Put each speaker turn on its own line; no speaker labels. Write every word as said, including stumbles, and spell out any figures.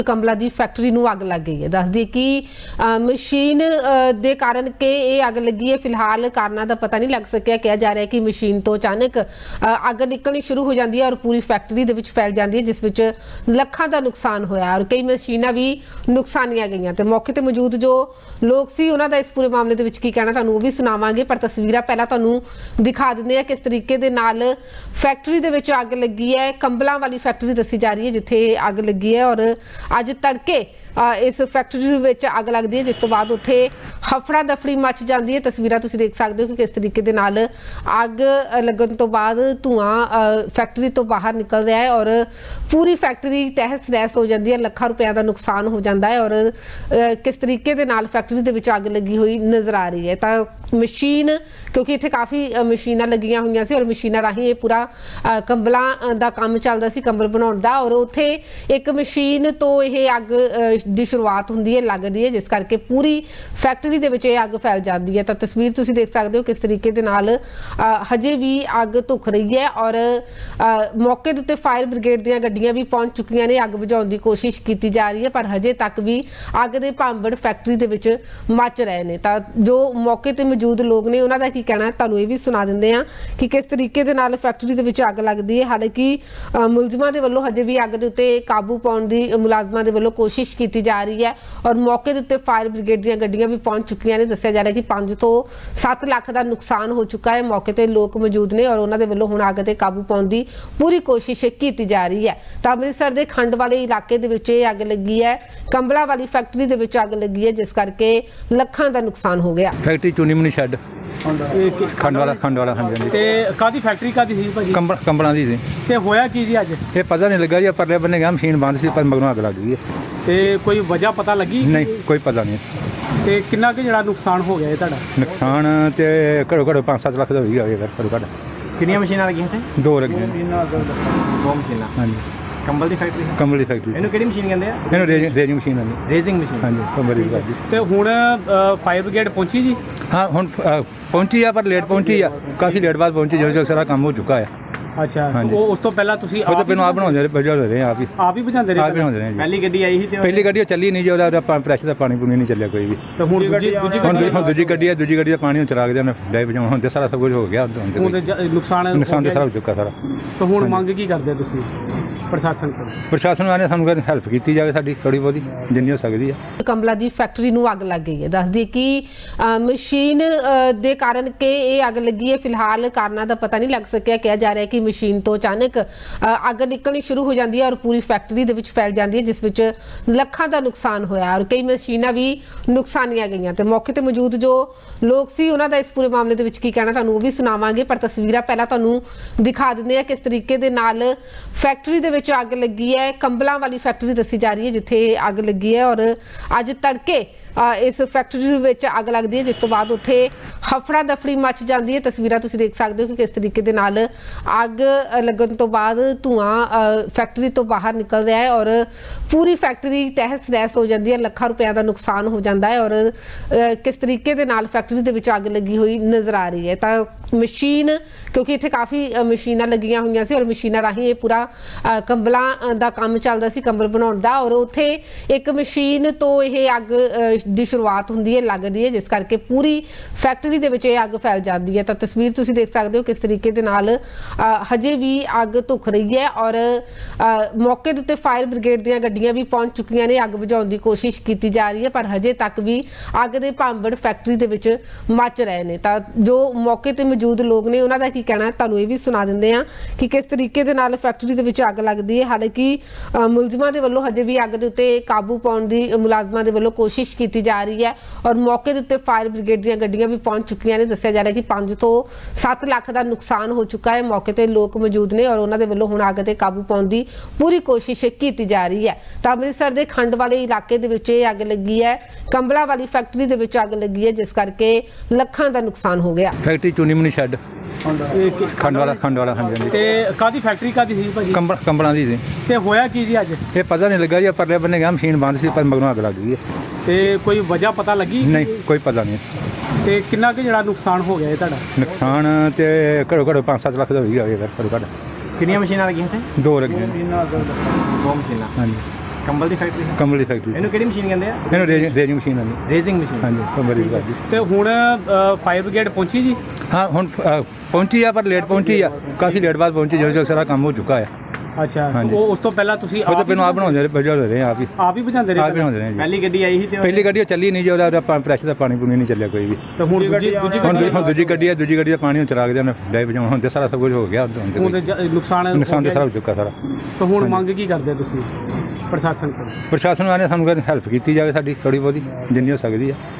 कंबला की फैक्ट्री नूं अग लग गई है। दस दी कि मशीन के कारण के ये अग लगी है। फिलहाल कारणों का पता नहीं लग सकिया। कहा जा रहा है कि मशीन तो अचानक अग निकलनी शुरू हो जाती है और पूरी फैक्ट्री दे विच फैल जाती है, जिस विच लखां का नुकसान होया और कई मशीनां भी नुकसानिया गई। तो मौके पर मौजूद जो लोग सी उन्हां दा इस पूरे मामले दे विच की कहना तुहानूं वो भी सुणावांगे, पर तस्वीरां पहला तुहानूं दिखा दिंदे आ किस तरीके दे नाल फैक्ट्री दे विच अग लगी है। कंबलों वाली फैक्ट्री दसी जा रही है जिथे अग लगी है और अज तड़के इस फैक्ट्री विच अग लगती है, जिस तो बाद उत्थे हफड़ा दफड़ी मच जाती है। तस्वीरां तुसीं देख सकते हो कि किस तरीके दे नाल अग लगन तो बाद धुआं फैक्ट्री तो बाहर निकल रहा है और पूरी फैक्ट्री तहस नहस हो जाती है। लखां रुपया का नुकसान हो जाता है और किस तरीके दे नाल फैक्ट्री दे विच अग लगी हुई नज़र आ रही है। तो मशीन क्योंकि इत्थे काफ़ी मशीनां लगियां हुई सी और मशीनां राही ये पूरा कंबलों का काम चलता सी, कंबल बनाउण दा, और उत्थे एक मशीन तो यह अग ਦੀ शुरुआत ਹੁੰਦੀ है लगती है, जिस करके पूरी फैक्ट्री ਦੇ ਵਿੱਚ अग फैल जाती है। तो तस्वीर तुसीं देख सकते हो किस तरीके ਦੇ ਨਾਲ हजे भी अग धुख रही है और मौके ਦੇ ਉੱਤੇ फायर ब्रिगेड ਦੀਆਂ ਗੱਡੀਆਂ भी पहुंच चुकियां ने। अग बुझाउण ਦੀ कोशिश की जा रही है पर हजे तक भी अग ਦੇ ਭਾਂਬੜ फैक्ट्री ਦੇ ਵਿੱਚ मच रहे हैं। तो जो मौके ਤੇ मौजूद लोग ने उन्हों का की कहना है ਤੁਹਾਨੂੰ ਇਹ भी सुना ਦਿੰਦੇ ਆ कि किस तरीके ਦੇ ਨਾਲ फैक्ट्री ਦੇ ਵਿੱਚ अग लगती है। हालांकि मुलजमां ਦੇ ਵੱਲੋਂ हजे भी अग ਦੇ ਉੱਤੇ काबू पाउण ਦੀ मुलाजमां ਦੇ ਵੱਲੋਂ कोशिश की जा रही है और मौके के उत्ते फायर ब्रिगेड दी गड्डियां भी पहुंच चुकी ने। दस्सिया जा रहा है कि पांच तो सत्त लाख का नुकसान हो चुका है। मौके ते लोग मौजूद ने और उन्होंने वालों हुण अग ते काबू पाउण दी पूरी कोशिश की जा रही है। तो अमृतसर के खंड वाले इलाके दे विच अग लगी है, कंबला वाली फैक्ट्री दे विच अग लगी है, जिस करके लखां का नुकसान हो गया।
फैक्ट्री चूनी मनी शैड खंड वाला खंड वाला हाँ जी।
ते कादी फैक्ट्री कादी सी भाजी?
कंबल कंबलों की सी।
ते होया की जी अज?
ये पता नहीं लगा जी, परले बन्ने गया मशीन बंद सी पर मगरों अग लग गई है।
ते कोई वजह पता लगी?
नहीं कोई पता नहीं।
ते कितना के जड़ा नुकसान हो गया है तुहाडा?
नुकसान तो घड़ो घड़ो पाँच सत्त लाख का हो गया घड़ो घड़।
कितनी मशीनां लगी थे?
दो लगी
दो मशीनां।
हाँ जी।
कंबल की फैक्ट्री?
कंबल की फैक्ट्री।
इहनूं किहड़ी मशीन कहंदे आ?
इहनूं रेजिंग रेजिंग मशीन आंदी।
Raising machine?
हाँ जी कंबल की फैक्ट्री।
ते हुण फायर ब्रिगेड पहुंची जी?
हाँ हुण पहुंची है पर लेट पहुंची है, काफ़ी लेट बाद पहुंची जो जो सारा काम हो चुका है।
अच्छा वो उस तो पहला तुसी
वो तो पहले आप बनाते बजा रहे हैं आप ही
आप ही बुझाते रहे?
आप बनाते रहे।
पहली गड्डी आई थी?
पहली गड्डी चली नहीं जो प्रेशर का पानी पूनी नहीं चलिया कोई भी।
तो हुण दूजी दूजी
दूजी गड्डी है, दूजी गड्डी का पानी चला के डाई बजा हुण सारा सब कुछ हो गया।
नुकसान
नुकसान तो सारा हो चुका सारा।
तो हुण मंग की करदे तुसी प्रशासन को? प्रशासन
वाले सानू हैल्प की जाए साडी थोड़ी बहुती जिन्नी हो सकती है।
कंबला की फैक्ट्री नूं अग लग गई है। दस दी कि मशीन के कारण के ये अग लगी है। फिलहाल कारणों का पता नहीं लग सकिया। कहा जा रहा है कि मशीन तो अचानक अग निकलनी शुरू हो जाती है और पूरी फैक्ट्री दे विच फैल जाती है, जिस विच लखां का नुकसान होया और कई मशीनां भी नुकसानिया गई। तो मौके पर मौजूद जो लोग सी उन्हां दा इस पूरे मामले दे विच की कहना तुहानूं वो भी सुणावांगे, पर तस्वीरां पहला तुहानूं दिखा दिंदे आ किस तरीके दे नाल फैक्ट्री दे विच अग लगी है। कंबलों वाली फैक्ट्री दसी जा रही है जिथे अग लगी है और अज तड़के इस फैक्ट्री विच अग लगती है, जिस तो बाद उत्थे हफड़ा दफड़ी मच जाती है। तस्वीरां तुसीं देख सकते हो कि किस तरीके दे नाल अग लगन तो बाद धुआं फैक्ट्री तो बाहर निकल रहा है और पूरी फैक्ट्री तहस नहस हो जाती है। लखां रुपया का नुकसान हो जाता है और किस तरीके दे नाल फैक्ट्री दे विच अग लगी हुई नज़र आ रही है। तो मशीन क्योंकि इत्थे काफ़ी मशीनां लगियां हुई सी और मशीनां राही ये पूरा कंबलों का काम चलता सी, कंबल बनाउण दा, और उत्थे एक मशीन तो यह अग ਦੀ शुरुआत ਹੁੰਦੀ है लगती है, जिस करके पूरी फैक्ट्री ਦੇ ਵਿੱਚ अग फैल जाती है। तो तस्वीर तुसीं देख सकते हो किस तरीके ਦੇ ਨਾਲ हजे भी अग धुख रही है और मौके ਦੇ ਉੱਤੇ फायर ब्रिगेड ਦੀਆਂ ਗੱਡੀਆਂ भी पहुंच चुकियां ने। अग बुझाउण ਦੀ कोशिश की जा रही है पर हजे तक भी अग ਦੇ ਭਾਂਬੜ फैक्ट्री ਦੇ ਵਿੱਚ मच रहे हैं। तो जो मौके ਤੇ मौजूद लोग ने उन्हों का की कहना है ਤੁਹਾਨੂੰ ਇਹ भी सुना ਦਿੰਦੇ ਆ कि किस तरीके ਦੇ ਨਾਲ फैक्ट्री ਦੇ ਵਿੱਚ अग लगती है। हालांकि मुलजमां ਦੇ ਵੱਲੋਂ हजे भी अग ਦੇ ਉੱਤੇ काबू पाउਣ ਦੀ मुलाजमां ਦੇ ਵੱਲੋਂ कोशिश की जा रही है और मौके के उत्ते फायर ब्रिगेड दी गड्डियां भी पहुंच चुकी ने। दस्सिया जा रहा है कि पांच तो सत्त लाख का नुकसान हो चुका है। मौके पर लोग मौजूद ने और उन्होंने वालों हुण अग ते काबू पाउण दी पूरी कोशिश की जा रही है। तो अमृतसर के खंड वाले इलाके दे विच अग लगी है, कंबला वाली फैक्ट्री दे विच अग लगी है, जिस करके लखां का नुकसान हो गया।
फैक्ट्री चूनी मनी शैड खंड वाला खंड वाला हाँ जी।
ते कादी फैक्ट्री कादी सी भाजी? कंबल
कंबलों की सी।
ते होया की जी अज?
ये पता नहीं लगा जी, परले बन्ने गया मशीन बंद सी पर मगरों अग लग गई है।
ते कोई वजह पता लगी?
नहीं कोई पता नहीं।
ते कितना के जड़ा नुकसान हो गया है तुहाडा?
नुकसान तो घड़ो घड़ो पाँच सत्त लाख का हो गया घड़ो घड़।
कितनी मशीनां लगी थे?
दो लगी
दो मशीनां।
हाँ जी।
ਕੰਬਲ ਦੀ ਫੈਕਟਰੀ
ਕੰਬਲ ਦੀ ਫੈਕਟਰੀ
ਇਹਨੂੰ ਕਿਹੜੀ ਮਸ਼ੀਨ ਕਹਿੰਦੇ ਆ?
ਇਹਨੂੰ ਰੇਜਿੰਗ ਰੇਜਿੰਗ ਮਸ਼ੀਨ ਆਉਂਦੀ
ਰੇਜ਼ਿੰਗ ਮਸ਼ੀਨ।
ਹਾਂਜੀ ਕੰਬਲ ਦੀ ਕਰਦੀ।
ਤੇ ਹੁਣ ਫਾਇਰ ਬ੍ਰਿਗੇਡ ਪਹੁੰਚੀ ਜੀ?
ਹਾਂ ਹੁਣ ਅ, ਪਹੁੰਚੀ ਆ ਪਰ ਲੇਟ ਪਹੁੰਚੀ ਆ, ਕਾਫੀ ਲੇਟ ਬਾਅਦ ਪਹੁੰਚੀ ਜਦੋਂ ਜਦੋਂ ਸਾਰਾ ਕੰਮ ਹੋ ਚੁੱਕਾ ਹੈ।
ਅੱਛਾ,
ਹਾਂਜੀ।
ਉਹ ਉਸ ਤੋਂ ਪਹਿਲਾਂ ਤੁਸੀਂ
ਉਹ ਤਾਂ ਪਹਿਲਾਂ ਆਪ ਬਣਾਉਂਦੇ ਰਹੇ ਬਜਾ ਰਹੇ ਆਪ ਹੀ
ਆਪ ਹੀ ਬੁਝਾਉਂਦੇ ਰਹੇ?
ਆਪ ਹੀ ਬਣਾਉਂਦੇ ਰਹੇ ਜੀ।
ਪਹਿਲੀ ਗੱਡੀ ਆਈ ਸੀ ਤੇ
ਪਹਿਲੀ ਗੱਡੀ ਉਹ ਚੱਲੀ ਨਹੀਂ ਜੀ, ਉਹਦਾ ਪ੍ਰੈਸ਼ਰ ਦਾ ਪਾਣੀ ਪੂਣੀ ਨਹੀਂ ਚੱਲਿਆ ਕੋਈ ਵੀ।
ਤੇ ਹੁਣ ਦੂਜੀ ਦੂਜੀ
ਹੁਣ
ਗੱਡੀ
ਦੂ- ਹੁਣ ਦੂਜੀ ਗੱਡੀ ਹੈ, ਦੂਜੀ ਗੱਡੀ ਦਾ ਪਾਣੀ ਉਹ ਚਲਾ ਕੇ ਉਹਨੇ ਡਾਈ ਵਜਾਉਣ ਹੁਣ ਤੇ ਸਾਰਾ ਸਭ ਕੁਝ ਹੋ ਗਿਆ। ਹੁਣ ਤੇ
ਹੁਣ
ਕੋਈ
ਤੇ ਜ- ਨੁਕਸਾਨ
ਨੁਕਸਾਨ ਤੇ
ਹੋ
ਸਾਰਾ
ਗਿਆ
ਹੋ ਚੁੱਕਾ ਸਾਰਾ।
ਜੀ। ਤਾਂ ਹੁਣ ਮੰਗ ਕੀ ਕਰਦੇ ਤੁਸੀਂ ਪ੍ਰਸ਼ਾਸਨ ਕੋਲ?
ਪ੍ਰਸ਼ਾਸਨ ਵਾਲੇ ਸਾਨੂੰ ਹੈਲਪ ਕੀਤੀ ਜਾਵੇ ਸਾਡੀ ਥੋੜੀ ਬਹੁਤੀ ਜਿੰਨੀ ਹੋ ਸਕਦੀ ਹੈ।